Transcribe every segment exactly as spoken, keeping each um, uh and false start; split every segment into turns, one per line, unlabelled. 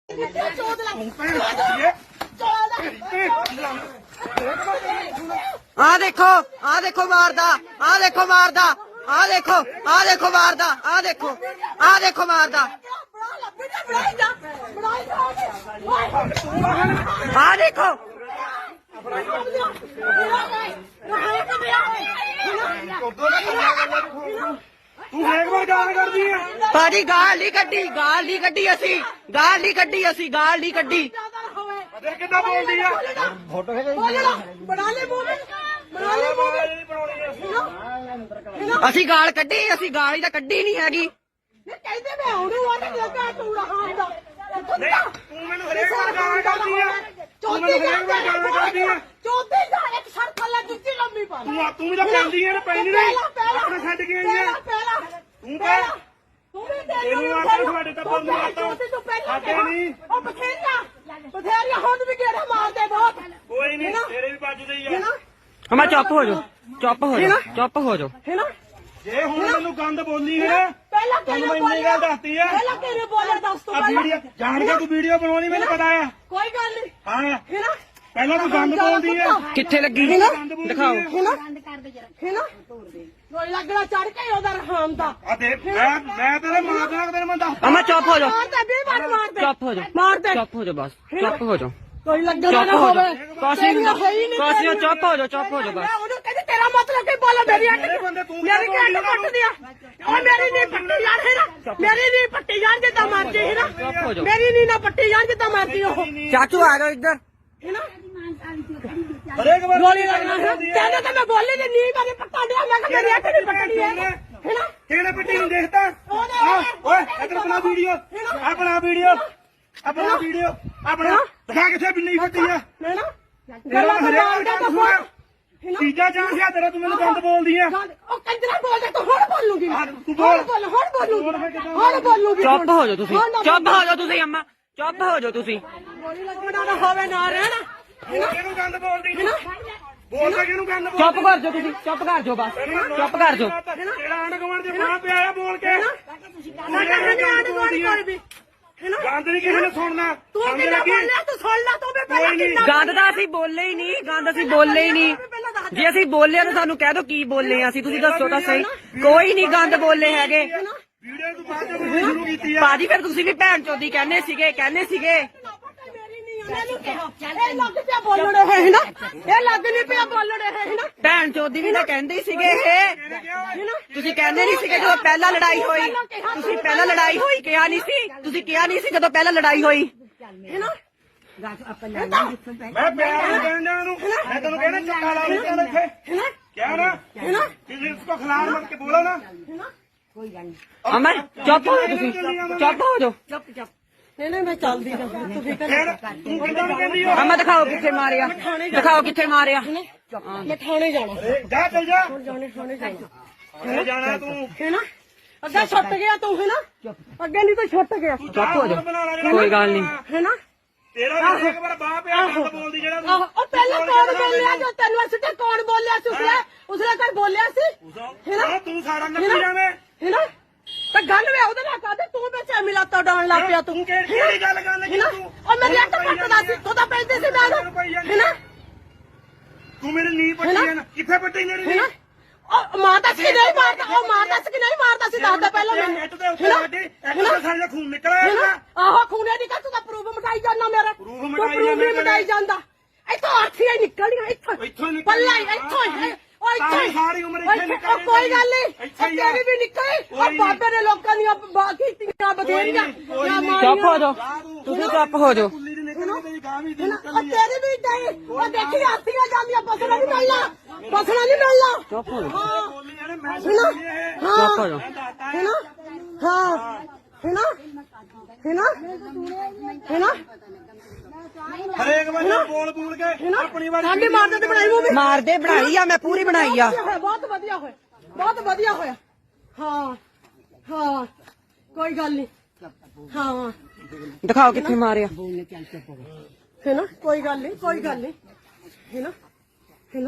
ਆ ਦੇਖੋ ਆ ਦੇਖੋ ਮਾਰਦਾ ਆ ਦੇਖੋ ਮਾਰਦਾ ਆ ਦੇਖੋ ਆ ਦੇਖੋ ਮਾਰਦਾ ਆ ਦੇਖੋ ਆ ਦੇਖੋ ਮਾਰਦਾ ਆ ਦੇਖੋ
ਤੂੰ ਹੇਕ ਵਾਰ ਗਾਲ ਕਰਦੀ ਆ
ਭਾਜੀ ਗਾਲ ਨਹੀਂ ਕੱਢੀ ਗਾਲ ਨਹੀਂ ਕੱਢੀ ਅਸੀਂ ਗਾਲ ਨਹੀਂ ਕੱਢੀ ਅਸੀਂ ਗਾਲ ਨਹੀਂ ਕੱਢੀ
ਦੇਖ ਕਿੱਦਾਂ ਬੋਲਦੀ ਆ
ਫੋਟੋ ਖਿਚਾਈ
ਬਣਾ ਲੈ ਮੂਵੀ ਬਣਾ ਲੈ ਮੂਵੀ
ਅਸੀਂ ਗਾਲ ਕੱਢੀ ਅਸੀਂ ਗਾਲ ਹੀ ਤਾਂ ਕੱਢੀ ਨਹੀਂ ਹੈਗੀ
ਕਹਿੰਦੇ ਮੈਂ ਉਹਨੂੰ ਆ ਤੇ ਲੱਗਾ ਤੂੰ ਰਹਾ ਹੁੰਦਾ
ਤੂੰ ਮੈਨੂੰ ਹਰੇਕ ਵਾਰ ਗਾਲ ਕਰਦੀ ਆ ਤੂੰ ਮੈਨੂੰ ਹਰੇਕ ਵਾਰ ਗਾਲ ਕਰਦੀ ਆ
ਚੌਥੀ ਦਾ ਇੱਕ ਸ਼ਰਤ ਲੈ ਜੁੱਤੀ ਲੰਮੀ ਪਾ
ਤੂੰ ਤੂੰ ਵੀ ਤਾਂ ਪੈਂਦੀ ਆ ਨਾ ਪੈਂਦੀ ਨਹੀਂ ਆਪਣੇ ਛੱਡ ਕੇ ਆਈ ਆ
ਪਹਿਲਾਂ
ਤੂੰ ਕਹਿ
ਤੂੰ ਵੀ ਤੇਰੀ
ਤੈਨੂੰ ਆ ਕੇ ਤੁਹਾਡੇ ਤਾਂ ਬੰਦ ਕਰਤਾ ਸਾਡੇ ਨਹੀਂ
ਉਹ ਬਥੇਰੀਆਂ ਬਥੇਰੀਆਂ ਹੁਣ ਵੀ ਗੇੜੇ ਮਾਰਦੇ ਬਹੁਤ
ਕੋਈ ਨਹੀਂ ਤੇਰੇ ਵੀ ਵੱਜਦੇ ਹੀ ਆ
ਹਮਾ ਚੁੱਪ ਹੋ ਜਾਓ ਚੁੱਪ ਹੋ ਜਾਓ ਚੁੱਪ ਹੋ ਜਾਓ
ਹੈ ਨਾ
ਜੇ ਹੁਣ ਮੈਨੂੰ ਗੰਦ ਬੋਲੀ ਹੈ
ਪਹਿਲਾਂ
ਤੈਨੂੰ ਮੈਂ ਇੰਨੀ ਗੱਲ ਦੱਸਤੀ ਆ
ਪਹਿਲਾਂ ਕਿਹਨੇ ਬੋਲਿਆ ਦੱਸ ਤੂੰ
ਆ ਵੀਡੀਓ ਜਾਣ ਕੇ ਤੂੰ ਵੀਡੀਓ ਬਣਾਉਣੀ ਮੈਨੂੰ ਪਤਾ ਆ
ਕੋਈ ਗੱਲ ਨਹੀਂ
ਹਾਂ
ਹੈ ਨਾ
ਪਹਿਲਾਂ ਤੂੰ ਗੰਦ ਬੋਲਦੀ ਆ
ਕਿੱਥੇ ਲੱਗੀ ਦਿਖਾਓ
ਹੈ ਨਾ ਹੈ ਨਾ ਕੋਈ ਲੱਗਣਾ ਚੜ ਕੇ ਉਹਦਾ ਰਹਾਮ ਦਾ
ਆ ਦੇਖ ਮੈਂ ਮੈਂ ਤੇਰੇ ਮਾਂ ਦਾ ਤੇਰੇ ਮੈਂ ਦੱਸ
ਅਮਾ ਚੁੱਪ ਹੋ ਜਾਓ
ਮਾਰਦੇ ਵੀ ਮਾਰ ਮਾਰਦੇ
ਚੁੱਪ ਹੋ ਜਾਓ
ਮਾਰ ਦੇ
ਚੁੱਪ ਹੋ ਜਾਓ ਬਸ ਚੁੱਪ ਹੋ ਜਾਓ
ਕੋਈ ਲੱਗਣਾ
ਚੁੱਪ
ਨਾ
ਹੋ
ਹੋਵੇ
ਜਾਓ ਕਾਸੀ ਕਾਸੀ ਚੁੱਪ ਹੋ ਜਾਓ ਚੁੱਪ ਹੋ ਜਾਓ ਬਸ
ਮੈਂ ਉਹਨੂੰ ਕਹਿੰਦੀ ਤੇਰਾ ਮਤਲਬ ਕੀ ਬੋਲਾ ਮੇਰੀ ਅੱਟ ਮੇਰੀ ਕੀ ਅੱਟ ਕੱਟ ਦਿਆ ਉਹ ਮੇਰੀ ਨਹੀਂ ਪੱਟੀ ਜਾਣ ਹੈ ਨਾ ਮੇਰੀ ਨਹੀਂ ਪੱਟੀ ਜਾਣ ਜਿੱਦਾਂ ਮਰਜੀ ਹੈ ਨਾ ਮੇਰੀ ਨਹੀਂ ਨਾ ਪੱਟੀ ਜਾਣ ਜਿੱਦਾਂ ਮਰਜੀ ਉਹ
ਚਾਚੂ ਆ ਜਾਓ ਇੱਧਰ
ਹੈ ਨਾ
ਹਰੇਕ ਵਾਰ
ਗੋਲੀ ਲੱਗਣਾ ਕਹਿੰਦਾ ਤਾਂ ਮੈਂ ਬੋਲੀ ਤੇ ਨਹੀਂ ਮੇਰੇ ਪੱਟਾ ਦਿਆ ਮੈਂ ਕਿ ਮੇਰੀ ਅੱਟ ਨਹੀਂ ਪੱਟਣੀ ਹੈ ਹੈ ਨਾ
ਕਿਹਨੇ ਪਿੱਟੀ ਨੂੰ ਦੇਖਦਾ ਓਏ ਇੱਧਰ ਬਣਾ ਵੀਡੀਓ ਆਪਣਾ ਵੀਡੀਓ ਆਪਣਾ ਵੀਡੀਓ ਆਪਣਾ ਦਿਖਾ ਕਿੱਥੇ ਬਿੱਲੀ ਫੱਟੀ ਆ
ਹੈ ਨਾ
ਤੇਰਾ ਹਰੇਕ ਗੱਲ ਸੁਣ ਤੀਜਾ ਚਾਂਸ ਆ ਤੇਰਾ ਤੂੰ ਮੈਨੂੰ ਗੰਦ ਬੋਲਦੀ ਆ
ਉਹ ਕੰਜਰਾ ਬੋਲਦਾ ਤੂੰ ਹੁਣ ਬੋਲੂਗੀ
ਤੂੰ ਬੋਲ
ਬੋਲ ਹੁਣ ਬੋਲੂਗੀ ਹੁਣ ਬੋਲੂਗੀ
ਚੁੱਪ ਹੋ ਜਾਓ ਤੁਸੀਂ ਚੁੱਪ ਹੋ ਜਾਓ ਤੁਸੀਂ ਅੰਮਾ ਚੁੱਪ ਹੋ ਜਾਓ ਤੁਸੀਂ
ਗੋਲੀ ਲੱਗਣਾ ਨਾ ਹੋਵੇ ਨਾ ਰਹਿਣਾ
ਕਿਹਨੂੰ ਗੰਦ ਬੋਲਦੀ ਬੋਲ ਤਾਂ ਕਿਹਨੂੰ ਗੰਦ ਬੋਲ
ਚੁੱਪ ਕਰ ਜਾਓ ਤੁਸੀਂ ਚੁੱਪ ਕਰ ਜਾਓ ਬਸ ਚੁੱਪ ਕਰ ਜਾਓ
ਤੇਰਾ ਆਂਢ ਗੁਆਂਢ ਦੇ ਮਾਂ ਪਿਆ ਆ ਬੋਲ ਕੇ
ਸਾਡਾ ਹਨੇ ਆਂਢ ਗੁਆਂਢ ਕੋਈ ਵੀ
ਗੰਦ ਨਹੀਂ ਕਿਸੇ ਨੇ ਸੁਣਨਾ
ਤੂੰ
ਸਮਝ
ਕਿੰਨਾ
ਲੱਗੀ
ਬੋਲਿਆ ਤੂੰ ਸੁਣ ਲੈ ਤੂੰ ਵੀ ਪਹਿਲਾਂ ਕਿੰਨਾ
ਗੰਦ ਤਾਂ ਅਸੀਂ ਬੋਲੇ ਹੀ ਨਹੀਂ ਗੰਦ ਅਸੀਂ ਬੋਲੇ ਹੀ ਨਹੀਂ ਜੇ ਅਸੀਂ ਬੋਲੇ ਤਾਂ ਸਾਨੂੰ ਕਹਿ ਦਿਓ ਕੀ ਬੋਲੇ ਅਸੀਂ ਤੁਸੀਂ ਦੱਸੋ ਤਾਂ ਸਹੀ ਕੋਈ ਨਹੀਂ ਗੰਦ ਬੋਲੇ ਹੈਗੇ
ਵੀਡੀਓ ਤੂੰ ਬਾਅਦ ਚ ਬਣਾਉਣੀ ਸ਼ੁਰੂ ਕੀਤੀ ਆ
ਭਾਜੀ ਫਿਰ ਤੁਸੀਂ ਵੀ ਭੈਣ ਚੋਦੀ ਕਹਿੰਦੇ ਸੀਗੇ ਕਹਿੰਦੇ ਸੀਗੇ
ਇਹ ਲੱਗ ਪਿਆ ਬੋਲਣ ਇਹ ਹੈ ਨਾ ਇਹ ਲੱਗ ਨਹੀਂ ਪਿਆ ਬੋਲਣ ਇਹ ਹੈ ਨਾ
ਭੈਣ ਚੋਦੀ ਵੀ ਤਾਂ ਕਹਿੰਦੇ ਹੀ ਸੀਗੇ ਇਹ ਤੁਸੀਂ ਕਹਿੰਦੇ ਨਹੀਂ ਸੀਗੇ ਜਦੋਂ ਪਹਿਲਾਂ ਲੜਾਈ ਹੋਈ ਤੁਸੀਂ ਪਹਿਲਾਂ ਲੜਾਈ ਹੋਈ ਕਿਹਾ ਨਹੀਂ ਸੀ ਤੁਸੀਂ ਕਿਹਾ ਨਹੀਂ ਸੀ ਜਦੋਂ ਪਹਿਲਾਂ ਲੜਾਈ ਹੋਈ
ਹੈ ਨਾ
ਮੈਂ ਪਿਆਰ ਨਾਲ ਕਹਿੰਦਾ ਨੂੰ ਮੈਂ ਤੈਨੂੰ ਕਹਿੰਦਾ ਚੱਕਾ ਲਾ ਲਈ ਚੱਲ ਇੱਥੇ ਕਿਆ ਨਾ
ਹੈ ਨਾ
ਕਿਸੇ ਇਸ ਕੋ ਖਿਲਾਫ ਮਤ ਕੇ ਬੋਲੋ ਨਾ
ਅਮਰ ਚੁੱਪ ਹੋ ਜਾਓ ਤੁਸੀਂ ਚੁੱਪ ਹੋ ਜਾਓ
ਚੁੱਪ ਚੁੱਪ ਨਹੀਂ ਨਹੀਂ ਮੈਂ ਚੱਲਦੀ ਨਾ ਤੂੰ ਫਿਕਰ
ਫਿਰ ਤੂੰ ਕਿੱਦਾਂ ਨੂੰ ਕਹਿੰਦੀ ਹੋ
ਅਮਾ ਦਿਖਾਓ ਕਿੱਥੇ ਮਾਰਿਆ ਦਿਖਾਓ ਕਿੱਥੇ ਮਾਰਿਆ
ਮੈਂ ਥਾਣੇ ਜਾਣਾ
ਜਾ ਚੱਲ ਜਾ
ਜਾਣੇ ਥਾਣੇ ਜਾਣਾ
ਘਰੇ ਜਾਣਾ ਤੂੰ
ਹੈ ਨਾ ਅੱਗੇ ਛੁੱਟ ਗਿਆ ਤੂੰ ਹੈ ਨਾ ਅੱਗੇ ਨਹੀਂ ਤਾਂ ਛੁੱਟ ਗਿਆ
ਚੁੱਪ ਹੋ ਜਾਓ ਕੋਈ ਗੱਲ ਨਹੀਂ
ਹੈ ਨਾ
ਤੇਰਾ ਵੀ ਇੱਕ ਵਾਰ ਬਾਹ ਪਿਆ ਗੰਦ ਬੋਲਦੀ ਜਿਹੜਾ
ਆਹੋ ਉਹ ਪਹਿਲਾਂ ਕੌਣ ਬੋਲਿਆ ਜੋ ਤੈਨੂੰ ਅਸੀਂ ਤੇ ਕੌਣ ਬੋਲਿਆ ਸੀ ਉਸਲੇ ਉਸਲੇ ਕੋਈ ਬੋਲਿਆ ਸੀ
ਤੂੰ ਤੂੰ ਸਾਰਾ ਨੱਪੀ ਜਾਵੇਂ
ਹੈ ਨਾ ਤਾਂ ਗੱਲ ਵੇ ਉਹਦੇ ਨਾਲ ਕਾਦੇ ਤੂੰ ਵਿੱਚ ਮਿਲਾ ਤਾ ਡਾਉਣ ਲੱਗ ਪਿਆ ਤੂੰ
ਤੂੰ ਕਿਹੜੀ ਗੱਲ ਕਰਨ ਲੱਗੀ ਤੂੰ
ਉਹ ਮੇਰੇ ਅੱਟ ਪੱਟਦਾ ਸੀ ਤੂੰ ਤਾਂ ਪੈਂਦੇ ਸੀ ਮੈਂ ਹੈ ਨਾ
ਤੂੰ ਮੇਰੇ ਨੀ ਪੱਟੀ ਜਾਣਾ ਕਿੱਥੇ ਪੱਟੀ ਮੇਰੀ
ਹੈ ਨਾ ਉਹ ਮਾਰਦਾ ਸੀ ਨਹੀਂ ਮਾਰਦਾ ਉਹ ਮਾਰਦਾ ਸੀ ਕਿ ਨਹੀਂ ਮਾਰਦਾ ਸੀ ਦੱਸਦਾ ਪਹਿਲਾਂ ਮੈਨੂੰ
ਇੱਟ ਦੇ ਉੱਤੇ ਵੱਡੀ ਇੱਟ ਦੇ ਸਾਡਾ ਖੂਨ ਨਿਕਲਿਆ ਇਹਦਾ
ਆਹੋ ਖੂਨੇ ਦੀ ਤੂੰ ਤਾਂ ਪ੍ਰੂਫ ਮਟਾਈ ਜਾਂਦਾ ਮੇਰਾ
ਪ੍ਰੂਫ
ਤੂੰ
ਮਟਾਈ
ਪ੍ਰੂਫ
ਜਾਂਦਾ
ਮਟਾਈ ਜਾਂਦਾ ਇੱਥੋਂ ਆਠੀਆਂ ਨਿਕਲੀਆਂ ਇੱਥੋਂ
ਇੱਥੋਂ ਨਿਕਲ
ਪੱਲਾ ਇੱਥੋਂ ਹੀ ਉਹ ਇੱਥੋਂ ਹੀ
ਸਾਰੀ ਉਮਰ ਇੱਥੇ ਨਿਕਲ
ਕੋਈ ਗੱਲ ਨਹੀਂ ਤੇਰੀ ਵੀ ਨਿਕਲੀ ਉਹ ਬਾਬੇ ਨੇ ਲੋਕਾਂ ਦੀਆਂ ਬਾਕੀ ਤੀਆਂ ਬਥੇਰੀਆਂ
ਚੁੱਪ ਹੋ ਜਾਓ ਤੁਸੀਂ ਚੁੱਪ ਹੋ ਜਾਓ
ਕੁੱਲੀ ਦੀ ਨਿਕਲ ਤੇਰੀ ਗਾਂ ਵੀ
ਉਹ ਤੇਰੀ ਵੀ ਨਹੀਂ ਉਹ ਦੇਖੀ ਆਥੀਆਂ ਜਾਂਦੀਆਂ ਬਸਣਾ ਨਹੀਂ ਮਿਲਣਾ ਬਸਣਾ ਨਹੀਂ ਮਿਲਣਾ
ਚੁੱਪ ਹੋ ਜਾਓ
ਹਾਂ
ਬੋਲੀ ਜਾਣੇ ਮੈਂ
ਹੈਨਾ
ਚੁੱਪ ਹੋ ਜਾਓ
ਹੈਨਾ ਹਾਂ ਹੈਨਾ ਹੈਨਾ ਹੈਨਾ
ਹਰੇਕ ਵਾਰ ਬੋਲ ਬੋਲ ਕੇ ਆਪਣੀ ਵਾਰ
ਸਾਡੀ ਮਾਰਦੇ ਤੇ ਬਣਾਈ ਮੂਵੀ
ਮਾਰਦੇ ਬਣਾਈ ਆ ਮੈਂ ਪੂਰੀ ਬਣਾਈ ਆ
ਬਹੁਤ ਵਧੀਆ ਹੋਇਆ ਬਹੁਤ ਵਧੀਆ ਹੋਇਆ ਹਾਂ ਹਾਂ ਕੋਈ ਗੱਲ ਨਹੀਂ ਹਾਂ
ਦਿਖਾਓ ਕਿੱਥੇ ਮਾਰਿਆ
ਹੈ ਨਾ ਕੋਈ ਗੱਲ ਨਹੀਂ ਕੋਈ ਗੱਲ ਨਹੀਂ ਹੈ ਨਾ ਹੈ ਨਾ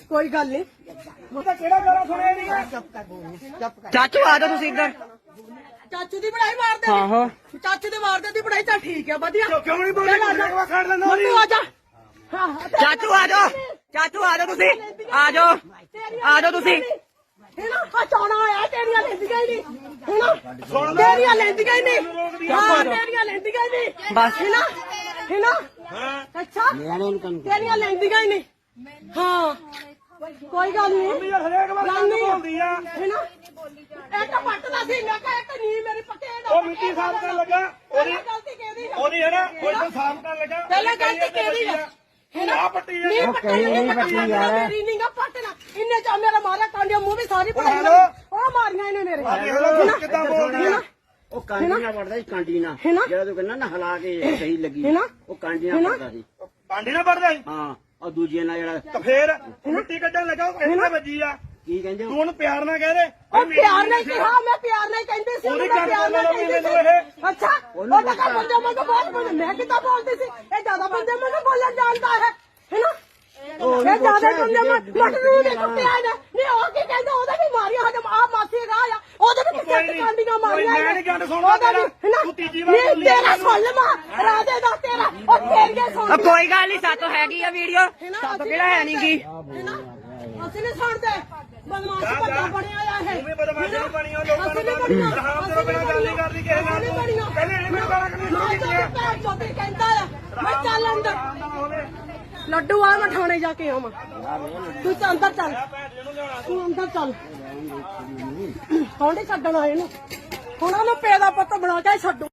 ਕੋਈ ਗੱਲ ਨਹੀਂ
ਉਹ ਤਾਂ ਕਿਹੜਾ ਗਾਣਾ ਸੁਣਿਆ ਨਹੀਂ
ਚਾਚੂ ਆ ਜਾਓ ਤੁਸੀਂ ਇੱਧਰ
ਚਾਚੂ ਦੀ ਪੜਾਈ ਮਾਰਦੇ
ਆਹੋ
ਚਾਚੂ ਦੇ ਮਾਰਦੇ ਦੀ ਪੜਾਈ ਤਾਂ ਠੀਕ ਹੈ ਵਧੀਆ
ਕਿਉਂ ਨਹੀਂ ਬੋਲਦੇ ਖੜ ਲੈਂਦਾ
ਮੰਨੂ ਆ ਜਾ ਹਾਂ
ਚਾਚੂ ਆ ਜਾਓ ਚਾਚੂ ਆ ਜਾਓ ਤੁਸੀਂ ਆ ਜਾਓ ਆ ਜਾਓ ਤੁਸੀਂ
ਹੈਨਾ ਆ ਚੌਣਾ ਆਇਆ ਤੇਰੀਆਂ ਲੈਂਦੀਆਂ ਹੀ ਨਹੀਂ ਹੈਨਾ ਤੇਰੀਆਂ ਲੈਂਦੀਆਂ ਹੀ ਨਹੀਂ ਹਾਂ ਤੇਰੀਆਂ ਲੈਂਦੀਆਂ ਹੀ ਨਹੀਂ
ਬਸ
ਹੈਨਾ ਹੈਨਾ ਅੱਛਾ ਤੇਰੀਆਂ ਲੈਂਦੀਆਂ ਹੀ ਨਹੀਂ ਹਾਂ ਕੋਈ ਗੱਲ ਨਹੀਂ
ਯਾਰ ਹਰੇਕ ਵਾਰ ਗੱਲ ਬੋਲਦੀ ਆ
ਹੈਨਾ ਇੱਕ ਪੱਟਦਾ ਸੀ ਮੈਂ ਕਿਹਾ ਇੱਕ ਨੀ ਮੇਰੀ ਪੱਕੇ ਦਾ
ਉਹ ਮਿੱਟੀ ਸਾਫ਼ ਕਰਨ ਲੱਗਾ ਉਹਦੀ
ਗਲਤੀ ਕਿਹਦੀ ਆ
ਉਹਦੀ ਹੈ ਨਾ ਕੋਈ ਤਾਂ ਸਾਫ਼ ਕਰਨ ਲੱਗਾ
ਪਹਿਲਾਂ ਗਲਤੀ ਕਿਹਦੀ ਆ
ਹੈਨਾ ਆ ਪੱਟੀ
ਨਹੀਂ
ਆ
ਪੱਟੀ ਨਹੀਂ ਪੱਟੀ ਯਾਰ ਮੇਰੀ ਨਹੀਂ ਗਾ ਪੱਟਣਾ ਇੰਨੇ ਚ ਮੇਰਾ ਮਾਰਿਆ ਕਾਂਡਿਆ ਮੂੰਹ ਵੀ ਸਾਰੀ ਪੜਾਈ
ਹੈਲੋ।
ਉਹ ਮਾਰੀਆਂ ਇਹਨੇ ਮੇਰੇ
ਦੇਖੋ ਕਿੱਦਾਂ ਬੋਲਦੀ ਆ
ਉਹ ਕਾਂਡੀ ਨਾਲ ਪੜਦਾ ਸੀ ਕਾਂਡੀ ਨਾਲ
ਹੈਨਾ?
ਜਿਹੜਾ ਤੂੰ ਕਹਿੰਦਾ ਨਾ ਹਿਲਾ ਕੇ ਸਹੀ ਲੱਗੀ
ਹੈਨਾ?
ਉਹ ਕਾਂਡੀ ਨਾਲ
ਹੈਨਾ?
ਪੜਦਾ ਸੀ
ਪਾਂਡੀ ਨਾ ਪੜਦਾ ਸੀ
ਹਾਂ ਉਹ ਦੂਜੇ ਨਾਲ ਜਿਹੜਾ
ਤਾਂ ਫੇਰ ਮਿੱਟੀ ਕੱਢਣ ਲੱਗਾ ਉਹ ਕਹਿੰਦਾ ਵੱਜੀ ਆ
ਕੀ ਕਹਿੰਦੇ
ਤੂੰ ਉਹਨੂੰ ਪਿਆਰ ਨਾਲ ਕਹਿ ਦੇ
ਉਹ ਪਿਆਰ ਨਹੀਂ ਕਿਹਾ ਮੈਂ ਪਿਆਰ ਨਹੀਂ ਕਹਿੰਦੀ ਸੀ
ਉਹਦੀ
ਮੈਂ
ਗੱਲ
ਪਿਆਰ ਨਾਲ
ਬੋਲੋ
ਕਹਿੰਦੀ
ਮੈਨੂੰ ਇਹ।
ਸੀ ਅੱਛਾ ਉਹ ਤਾਂ ਕਾ ਬੰਦੇ ਮੈਨੂੰ ਬਹੁਤ ਬੋਲ ਮੈਂ ਕਿੱਦਾਂ ਬੋਲਦੀ ਸੀ ਇਹ ਜ਼ਿਆਦਾ ਬੰਦੇ ਮੈਨੂੰ ਬੋਲਣ ਜਾਣਦਾ ਹੈ ਹੈਨਾ ਇਹ ਜ਼ਿਆਦਾ ਬੰਦੇ ਮੈਂ ਮਟਰੂ ਦੇ ਕੁੱਤਿਆ ਨੇ ਨਹੀਂ ਉਹ ਕੀ ਕਹਿੰਦਾ ਉਹਦਾ ਵੀ ਮਾਰਿਆ ਹਜਮ ਆ ਮਾਸੀ ਰਾਹ ਆ ਉਹਦੇ ਵੀ
ਕੋਈ
ਕਿੱਥੇ
ਨਹੀਂ,
ਕਾਂਡੀਆਂ ਮਾਰੀਆਂ
ਕੋਈ ਮੈਂ ਨਹੀਂ ਗੱਲ ਸੁਣਦਾ
ਉਹਦਾ ਵੀ,
ਤੇਰਾ।
ਹੈਨਾ?
ਤੂੰ ਤੀਜੀ ਵਾਰ
ਨਹੀਂ,
ਬੋਲੀ
ਤੇਰਾ
ਮੈਨੂੰ।
ਸੁਣ ਲਵਾਂ ਰਾਜੇ ਦਾ ਤੇਰਾ ਉਹ ਤੇਰੀਆਂ ਸੁਣ
ਉਹ ਕੋਈ ਗੱਲ ਨਹੀਂ ਸਾਤੋਂ ਹੈਗੀ ਆ ਵੀਡੀਓ ਸਾਤੋਂ ਕਿਹੜਾ ਹੈ ਨਹੀਂ ਗੀ
ਹੈਨਾ? ਅਸੀਂ ਨਹੀਂ ਸੁਣਦੇ ਬਦਮਾਸ਼ ਬੰਦਾ ਬਣਿਆ ਆ ਇਹ
ਤੂੰ ਵੀ ਬਦਮਾਸ਼ ਨਹੀਂ ਬਣੀ ਉਹ ਲੋਕਾਂ
ਅਸੀਂ
ਨੂੰ
ਨਹੀਂ ਬਣੀਆਂ
ਰਹਾਮ ਤੋਂ ਬਿਨਾਂ ਗੱਲ ਨਹੀਂ ਕਰਦੀ ਕਿਸੇ ਨਾਲ
ਅਸੀਂ ਨਹੀਂ
ਤੂੰ
ਬਣੀਆਂ
ਪਹਿਲੇ ਇਹਨੇ ਮੈਨੂੰ ਗਾਲਾਂ ਕੱਢਣੀਆਂ ਸ਼ੁਰੂ ਕੀਤੀਆਂ
ਮੈਂ ਚੋਦੀ ਕਹਿੰਦਾ ਆ ਮੈਂ ਚੱਲ ਅੰਦਰ
ਆਰਾਮ ਨਾਲ ਹੋਵੇ
ਲੱਡੂ ਆ ਮੈਂ ਥਾਣੇ ਜਾ ਕੇ ਆਵਾਂ ਤੂੰ ਤਾਂ ਅੰਦਰ ਚੱਲ
ਭੈਣ ਜੀ ਨੂੰ ਲਿਆਉਣਾ
ਤੂੰ ਅੰਦਰ ਚੱਲ ਹੁਣ ਹੀ ਛੱਡਣਾ ਇਹਨੂੰ ਹੁਣ ਉਹਨੂੰ ਪੇ ਦਾ ਪੁੱਤ ਬਣਾ ਕੇ ਛੱਡੂ